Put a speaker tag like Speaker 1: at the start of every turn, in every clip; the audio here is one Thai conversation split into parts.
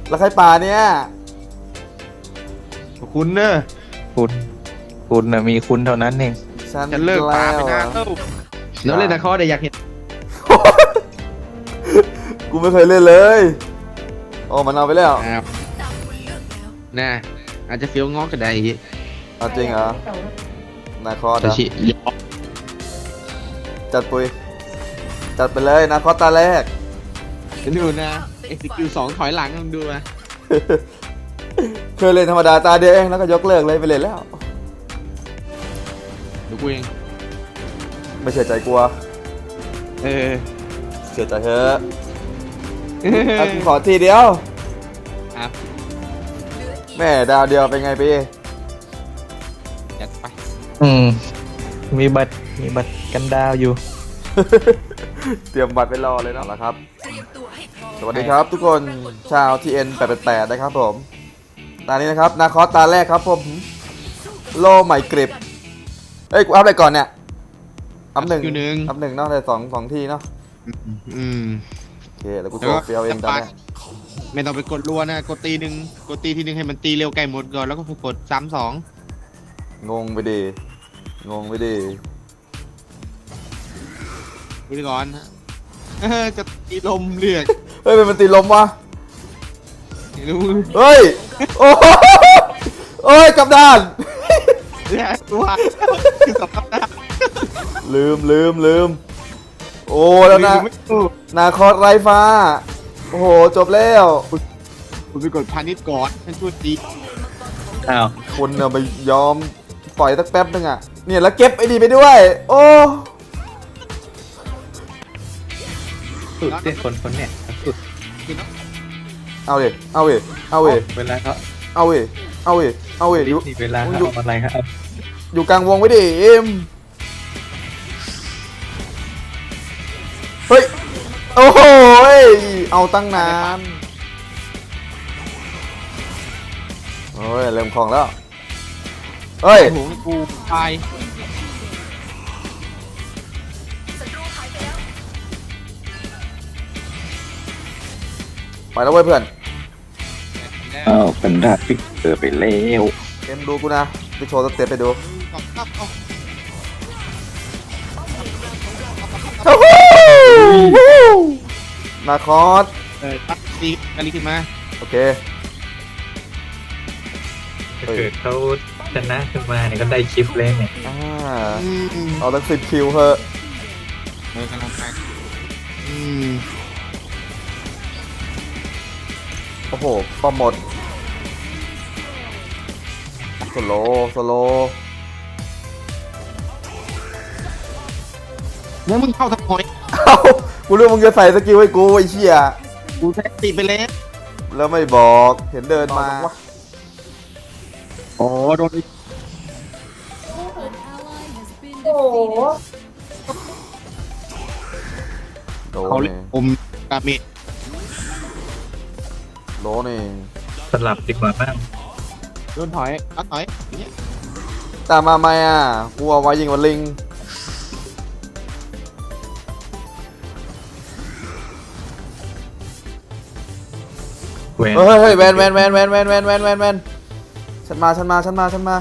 Speaker 1: แล้วใครป่าเนี่ย
Speaker 2: คุณเนอะ
Speaker 3: คุณนะมีคุณเท่านั้นเอง
Speaker 2: จะเลิกป่าไปนานแล้วเล่นนะเขาได้อยากเห็น
Speaker 1: กูไม่เคยเล่นเลยโอ้มันเอาไปแล้ว
Speaker 2: น่ะอาจจะเฟี้ยวงอกก็ได้
Speaker 1: เอาจริงเหรอนาคอส
Speaker 2: แต่
Speaker 1: เหรอ
Speaker 2: ชิยอ
Speaker 1: จัดปุยจัดไปเลยนาคอสตาแรก
Speaker 2: ดูนะเอ็กซิคิวสองถอยหลังลองดูมา
Speaker 1: เคยเล่นธรรมดาตาเดียวเองแล้วก็ยกเลิกเลยไปเล่นแล้ว
Speaker 2: ดูกูเอง
Speaker 1: ไม่เชื่อใจกลัว
Speaker 2: เออ
Speaker 1: เชื่อใจเถอะอ่ะกูขอทีเดียว
Speaker 2: ครับ
Speaker 1: แม่ดาวเดียวเป็นไงพี่
Speaker 2: จัดไป
Speaker 3: อืมมีบัตรกันดาวอยู่
Speaker 1: เตรียมบัตรไปรอเลยนะครับสวัสดีครับทุกคนชาว TN 888นะครับผมตานี้นะครับนาคอสตาแรกครับผมโลใหม่กริบเอ้ยกูอัพอะไรก่อนเนี่ยอัพหนึ่งอัพหนึ่งเนาะแต่สองทีเนาะ
Speaker 2: อืม
Speaker 1: โอเคแล้วกูโชว์เฟียวเองตอนเนี้ย
Speaker 2: ไม่ต้องไปกดรัวนะกดตีหนึ่งกดตีทีหนึ่งให้มันตีเร็วไกลหมดก่อนแล้วก็กด3-2
Speaker 1: งงไปดิงงไปดิ
Speaker 2: ดูก่อนนะจะตีลมเลือด
Speaker 1: เฮ้ยมันตีลมวะ
Speaker 2: ไม่รู้
Speaker 1: เฮ้ยโอ้โหโอ้ยกลับด้าน
Speaker 2: เลือดตัวคือสำคัญนะ
Speaker 1: ลืมโอ้แล้วนะ
Speaker 2: ไม่รู้
Speaker 1: นาคอสไรฟ้าโอ้โหจบแล้ว
Speaker 2: คุณไปกดพาณิชย์ก่อนฉันช่วยตี
Speaker 3: อ้าว
Speaker 1: คุณเนี่ยไปยอมปล่อยสักแป๊บนึงอ่ะเนี่ยแล้วเก็บไอ้ดีไปด้วยโอ้
Speaker 3: สุดเด็คนเนี่ยสุด
Speaker 1: เอาเวเอาเว
Speaker 3: เวลาเขา
Speaker 1: เอาเวอยู่
Speaker 3: นี่เวลาเขาเอาอะไรครับ
Speaker 1: อยู่กลางวงไว้ดิเอ็มเฮ้ยโอ้โหเอาตั้งนานโอ้ยเริ่มคล่องแล้วเฮ้ย
Speaker 2: โอ้โหกูตาย
Speaker 1: ไปแล้วเว้ยเพื่อน
Speaker 3: อ้าวเป็นดาฟิกเกอร์ไปแล้ว
Speaker 1: เอ็มดูกูนะไปโชว์สเต็ปไปดู นาคอส
Speaker 2: ตัดตีกันลีขึ้นมา
Speaker 1: โอเค
Speaker 3: ถ้าเกิดเขาชนะขึ้นมาเนี่ยก็ได้คลิปเลยเนี่ย
Speaker 1: เอาตั้ง10 คิวเถอะ
Speaker 2: กำลังไปอืม
Speaker 1: โอ้โหป้อมหมดสโลว์
Speaker 2: แล้วมึงเข้าทับหอย
Speaker 1: เอ้ากูรู้มึงจะใส่สกิลให้กูไอ้เชี่ย
Speaker 2: กูแท็กติไปแล้ว
Speaker 1: แล้วไม่บอกเห็นเดินมา
Speaker 2: โอ้โดน
Speaker 4: โอ้โห
Speaker 1: โด
Speaker 2: เขา
Speaker 1: น
Speaker 2: เล่
Speaker 1: นี่
Speaker 2: นอมกาเมจ
Speaker 1: โดนนี่
Speaker 3: สลับดีกว่าบ้าง
Speaker 2: โดนถอยเอาถอยเนี่ย
Speaker 1: ตามมาไหมอ่ะกูเอาไว้ยิงวันลิง
Speaker 3: แหวน
Speaker 1: เฮ้ยแวนฉันมา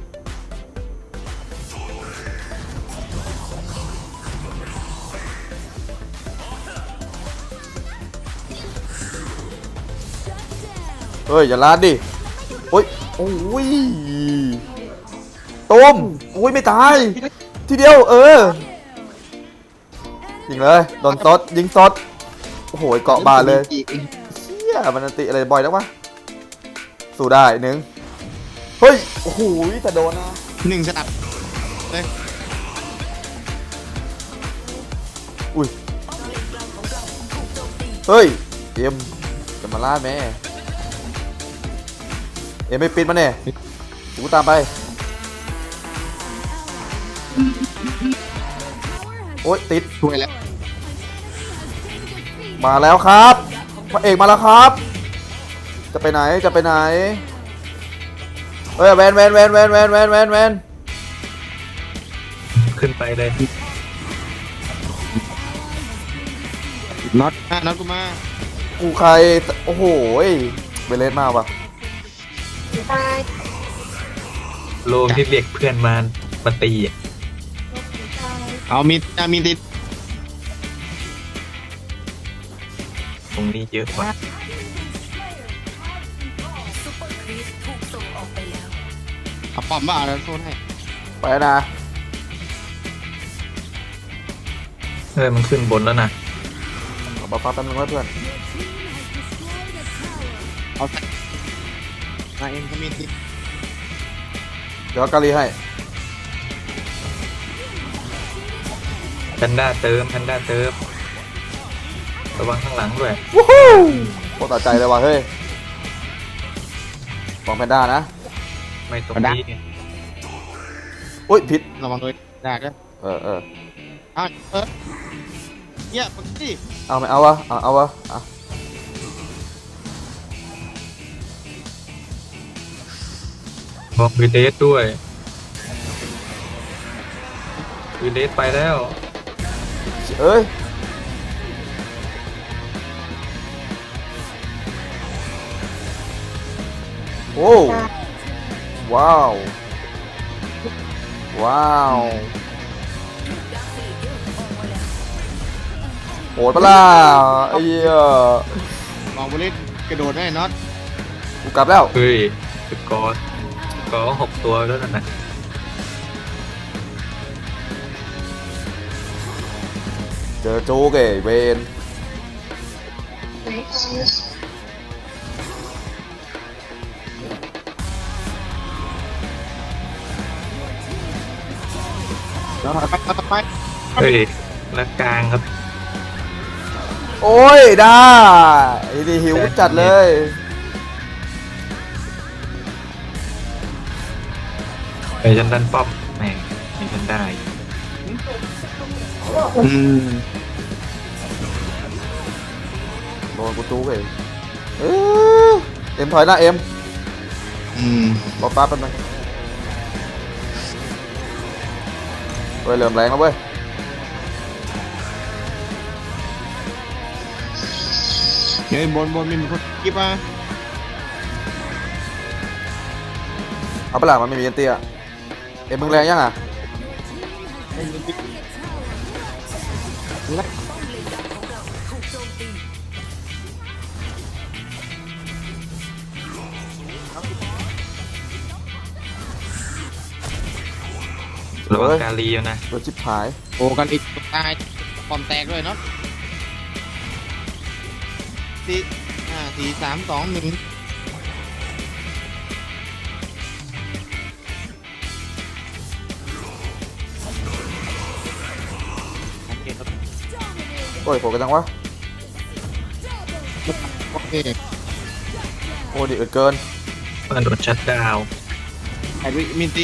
Speaker 1: เฮ้ยอย่าลาดดิโอ้ยโอ้ยต้มโอ้ยไม่ตายทีเดียวยิงเลยโดนซดยิงซดโอ้โหเกาะบาเลย เชี่ยมันอันติอะไรบ่อยแล้ววะสู้ได้หนึ่งเฮ้ยโอ้โหแต่โดนนะ
Speaker 2: หนึ่งสนับเลย
Speaker 1: อุ้ยเฮ้ยเอ็มจะมาล่าแม่เอ็มไม่ปิดมาเนี่ยกูตามไปโอ๊ยติด
Speaker 2: ช่วยแล้ว
Speaker 1: มาแล้วครับพระเอกมาแล้วครับจะไปไหนเฮ้ยแวน
Speaker 3: ขึ้นไปเลย
Speaker 2: น็อตกูมา
Speaker 1: กูใครโอ้โหเวเลสมากปะ
Speaker 5: ตาย
Speaker 3: โลมที่เรียกเพื่อนมาตีอะ
Speaker 2: เอามีติด
Speaker 3: ตรงนี้เยอะกว่า
Speaker 4: ซุปเปอร์ครีสถูกส่งออกไปแล้ว
Speaker 2: เอาป้อมบ้าแล้วโซนให้
Speaker 1: ไปนะ
Speaker 3: มันขึ้นบนแล้วนะ
Speaker 1: เอาบัฟฟ้าแป๊บนึงไว้เพื่อน
Speaker 2: เอาใส่นายเอ็มก็มีติด
Speaker 1: เดี๋ยวกาลีให้
Speaker 3: แพนด้าเติมระวังข้างหลังด้วย
Speaker 1: วู้ฮู้โคตรต่อใจเลยว่ะเฮ้ยของแพนด้านะ
Speaker 3: ไม่ตรงนี้ไง
Speaker 1: อุ้ยผิด
Speaker 2: ระวังเลยได้ก็
Speaker 1: เออ
Speaker 2: เอาเนี่ยปกติ
Speaker 1: เอาไม่เอาวะเอาวะอ่ะ
Speaker 3: บอกวีเดสด้วยวีเดสไปแล้ว
Speaker 1: เอ้ยโอ้ว้าวว้าวโหดปะล่ะไอ้เหี้ย
Speaker 2: มองบอลเล่นกระโดดได้น็อต
Speaker 1: กูกลับแล้ว
Speaker 3: เฮ้ยสกอร์6 ตัวแล้วนะ
Speaker 1: เจอโจ๊กเอ้ยเวน
Speaker 5: ไหน
Speaker 2: แล้วไป
Speaker 3: เฮ้ยแล้วกลางครับ
Speaker 1: โอ้ยได้ไอ้ดิหิวจัดเลย
Speaker 3: ไอ้ฉันดันป้อมแหม่มีฉันได้
Speaker 2: อืม
Speaker 1: โดนกูจู๊กเองเอ้ยเอ็มถอยหน้าเอ็ม
Speaker 2: อืม
Speaker 1: รอฟ้าแป๊บนึงเว้ยเริ่มแรงแล้วเว้ย
Speaker 2: เฮ้ยบนมีคนกิ๊บมา
Speaker 1: เอาไปละมันไม่มีเอ็นเตี้ยเอ็มมึงแรงยังอ่ะ
Speaker 3: ระวังกาลีอยู่นะ
Speaker 1: โดนชิบหาย
Speaker 2: โอ้กันอีกตายปอมแตกด้วยเนาะ4 3 2 1
Speaker 1: โอ้ยโผล่กันจังวะ
Speaker 2: โอเค
Speaker 1: โอ้ดิเอิดเกิน
Speaker 3: มันโดนชัดดาวน์
Speaker 2: ไอ้มินติ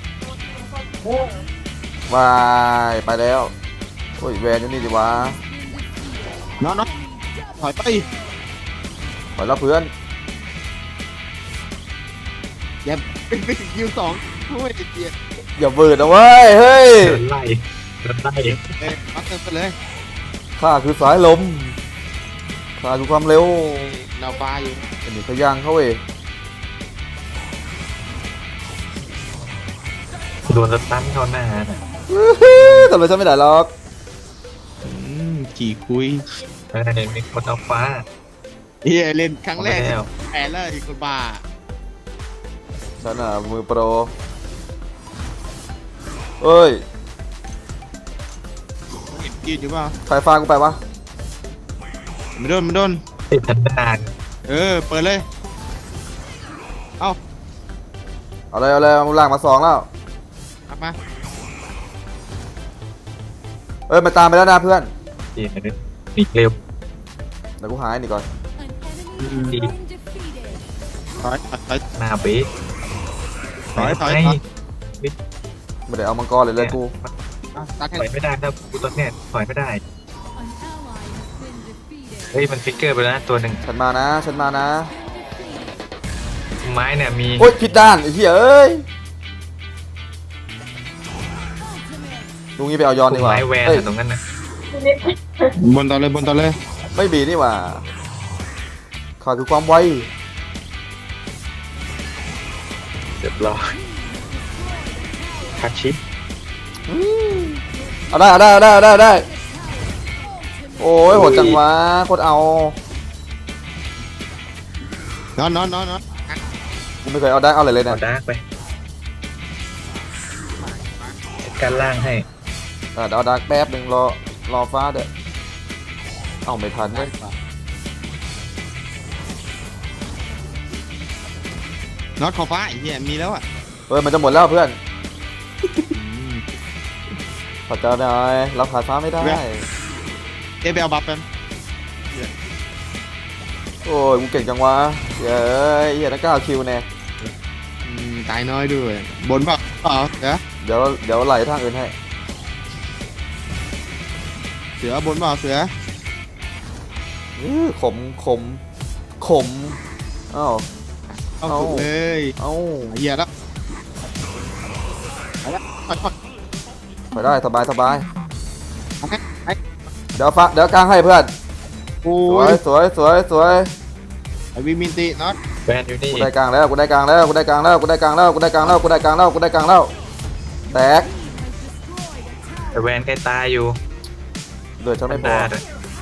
Speaker 1: วายไปแล้วโอ้ยแวนอยู่นี่ดิวะ
Speaker 2: น็อตถอยไป
Speaker 1: ปล่อยแล้วเพื่อน
Speaker 2: อย่าเป็นไปถึงคิว2ช่วยเจีย
Speaker 1: อย่าเบิดนะเว้ยเฮ้ย
Speaker 3: โดนไล่
Speaker 2: มัดเติมไปเลย
Speaker 1: ข้าคือสายลมข้าคือความเร็ว
Speaker 2: เราปลาอยู่
Speaker 1: อันนี้ขย่างเขาเว้ย
Speaker 3: โดนสตันเข้าหน้าน่ะ
Speaker 1: ทำไมฉันไม่ได้หรอก
Speaker 2: ขี่คุย
Speaker 3: มีคนเอาฟ้า
Speaker 2: เฮียเล่นครั้งแรก
Speaker 3: เอาไปแล้ว
Speaker 2: แพ้แล้วอีกคนบ้า
Speaker 1: ฉันอ่ะมือโปรเอ้ย
Speaker 2: ยืนอยู่เปล่า
Speaker 1: ใครฟากูไปวะ
Speaker 2: ไม่โดน
Speaker 3: ติดทันดาน
Speaker 2: เปิดเลย เอา
Speaker 1: เอาเลยเอาล่างมา2แล้ว
Speaker 2: กลับมา
Speaker 1: เอ้ยมาตามไปแล้วนะเพื่อน
Speaker 3: ดีนะหนีเร็ว
Speaker 1: เดี๋ยวกูหายนี่ก่อน
Speaker 4: An enemy has been defeated.
Speaker 2: ถอย
Speaker 3: หน้าเบ๊
Speaker 2: ถอย
Speaker 1: ไม่ได้เอามังกรเลยกู
Speaker 2: ตัดให้
Speaker 3: ถอยไม่ได้ถ้ากูตอนเนี้ยถอยไม่ได้
Speaker 4: An ally has been defeated.
Speaker 3: เฮ้ยมันฟิกเกอร์ไปแล้วนะตัวหนึ่ง
Speaker 1: ฉันมานะ
Speaker 3: ไม้เนี่ยมี
Speaker 1: โอ๊ยผิดด้านไอ้เหี้ยเอ้ยลุงนี้ไปเอายอนดีกว่า
Speaker 3: ไม้แวน
Speaker 1: เอ้ย
Speaker 3: ตรงนั้นน่ะ
Speaker 2: บนต่อเลย
Speaker 1: ไม่บีนี่หว่าขาดคือความไว
Speaker 3: รียบร้อยทักชิป
Speaker 1: เอาได้โอ้ยโหดจังวะโคตรเอา
Speaker 2: นอน
Speaker 1: กูไม่เคยเอาได้เอาอะไรเลย
Speaker 3: เอา
Speaker 1: นะ
Speaker 3: ดาร์กไปจัดการล่างให้
Speaker 1: เดี๋ยวเอาดักแป๊บหนึ่งรอฟ้าเด้อเอาไม่ทันเลย
Speaker 2: น็อตขอบฟ้าไอ้เหี้ยมีแล้วอ่ะ
Speaker 1: เฮ้ยมันจะหมดแล้วเพื่อนขอเจ้าหน่อยเราขาดฟ้าไม่ได้
Speaker 2: เอะไปเอาบัฟกัน
Speaker 1: โอ้ยกูเก่งจังวะเย้ยเหี้ยนักก้าวคิวแน่
Speaker 2: ตายน้อยด้วยบนเปล่าเดี๋ยว
Speaker 1: เดี๋ยวไหลทางอื่นให้
Speaker 2: เสือบนเปล่าเสือ
Speaker 1: ขมเอ้า
Speaker 2: เอาสุดเลย
Speaker 1: เอ้า
Speaker 2: เหี้ยแล้ว
Speaker 1: ไปได้สบาย
Speaker 2: ไอ้
Speaker 1: เดี๋ยวกลางให้เพื่อน
Speaker 2: โอ้
Speaker 1: สวย
Speaker 2: ยไอ้วิมินติน็อต
Speaker 3: แวนอยู่นี่
Speaker 1: กูได้กลางแล้วแตก
Speaker 3: แต่แวนใกล้ตายอยู่
Speaker 1: เดือดฉันไม่พอ
Speaker 3: ด้ด้วย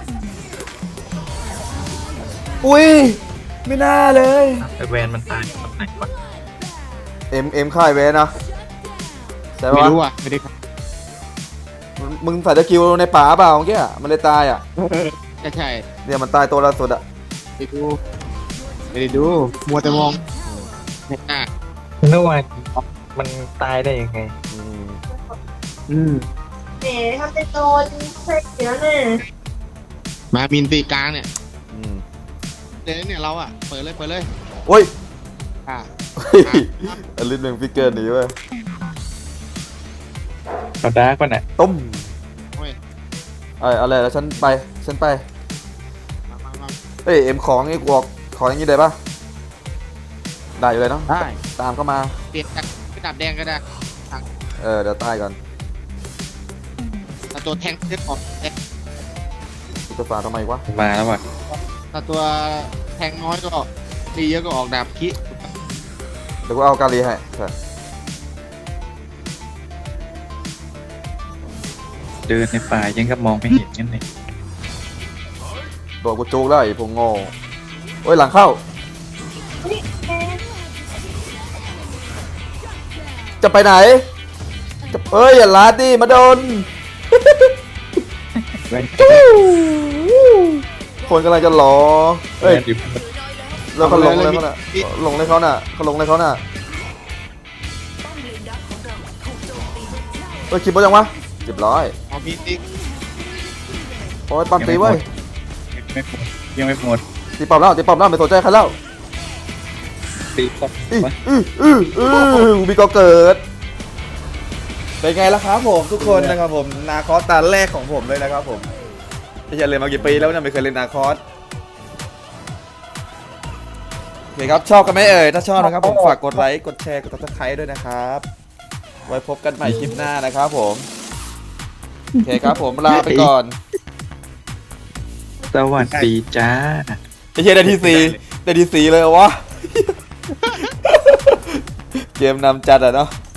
Speaker 1: อุ้ยไม่น่าเลย
Speaker 3: แต่แวนมันตายตรงไหนวะ
Speaker 1: เอ็มค่ายเวนะใช่
Speaker 2: ไม่
Speaker 1: ปะ
Speaker 2: รู้อ่ะไม่ได้
Speaker 1: มึงใส่ตะคิวในป่าเปล่าเมื่อกี้อะมันเลยตายอ่ะ
Speaker 2: ใช่
Speaker 1: เนี่ยมันตายตัวละสุดอ่ะ
Speaker 2: ไม่ได้ดูมัวแต่มองอ่ะ
Speaker 3: นึกว่ามันตายได้ยังไง
Speaker 5: แหมทำเป็นโดนใส่เดี๋ยวน่ะ
Speaker 2: มามินติกลางเนี่ย
Speaker 1: อืม
Speaker 2: เดี๋ยวเนี่ยเราอ่ะเปิดเลย
Speaker 1: โอ้ย
Speaker 2: อ่ะ
Speaker 1: อลิสหนึ่งฟิกเกอร์หนีเว้ย
Speaker 3: เอาดาร์กป่ะน่ะ
Speaker 1: ตุ้ม
Speaker 2: โอ้ย
Speaker 1: เอาเลยแล้วฉันไป
Speaker 2: มา
Speaker 1: เฮ้ยเอ็มของไอ้กวกของอย่างนี้ได้ปะได้อยู่เลยเนาะ
Speaker 2: ได้
Speaker 1: ตามเข้ามา
Speaker 2: เปลี่ยนจากกระดาษแดงก็ได้
Speaker 1: เดี๋ยวตายก่อน
Speaker 2: ถ้าตัวแทงเลือดออกแดง
Speaker 1: กูจะฝาทำไมวะ
Speaker 3: มาแล้วว่ะ
Speaker 2: ถ้าตัวแทงน้อยก็ตีเยอะก็ออกดาบคิ
Speaker 1: เดี๋ยวกูเอากาลีให้ใช่
Speaker 3: เดินในป่ายังกับมองไม่เห็นกันเลย
Speaker 1: โดนกูจุกแล้วไอ้พวกโง่โอ้ยหลังเข้า
Speaker 5: นี่แหม
Speaker 1: จะไปไหนเอ้ยอย่าลาดดิมาโดน
Speaker 3: แวน
Speaker 1: คนกำลังจะหลอ
Speaker 3: แว
Speaker 1: เอ้ย
Speaker 3: นอยู่
Speaker 1: แล้วเขาลงเลยเขาน่ะลงเลยเขาน่ะเอ้ยคิดว่ายังวะเรียบร้อย
Speaker 2: เอามีติ
Speaker 1: โอ้ยปั๊มตีเว้ย
Speaker 3: ยังไม่หมด
Speaker 1: ตีปั๊มแล้วไม่สนใจใครแล้ว
Speaker 3: ตีก่อน
Speaker 1: มีก็เกิดเป็นไงล่ะครับผมทุกคนนะครับผมนาคอสตาแรกของผมเลยนะครับผมไม่ใช่เล่นมากี่ปีแล้วเนี่ยไม่เคยเล่นนาคอสโอเคครับชอบกันไหมเอ่ยถ้าชอบนะครับผมฝากกดไลค์กดแชร์กด Subscribe ด้วยนะครับไว้พบกันใหม่คลิปหน้านะครับผมโอเคครับผมลาไปก่อน
Speaker 3: สวัสดีจ้า
Speaker 1: ไอ้เหี้ยได้ที่4เลยเหรอวะ เกมนำจัดอะเนาะ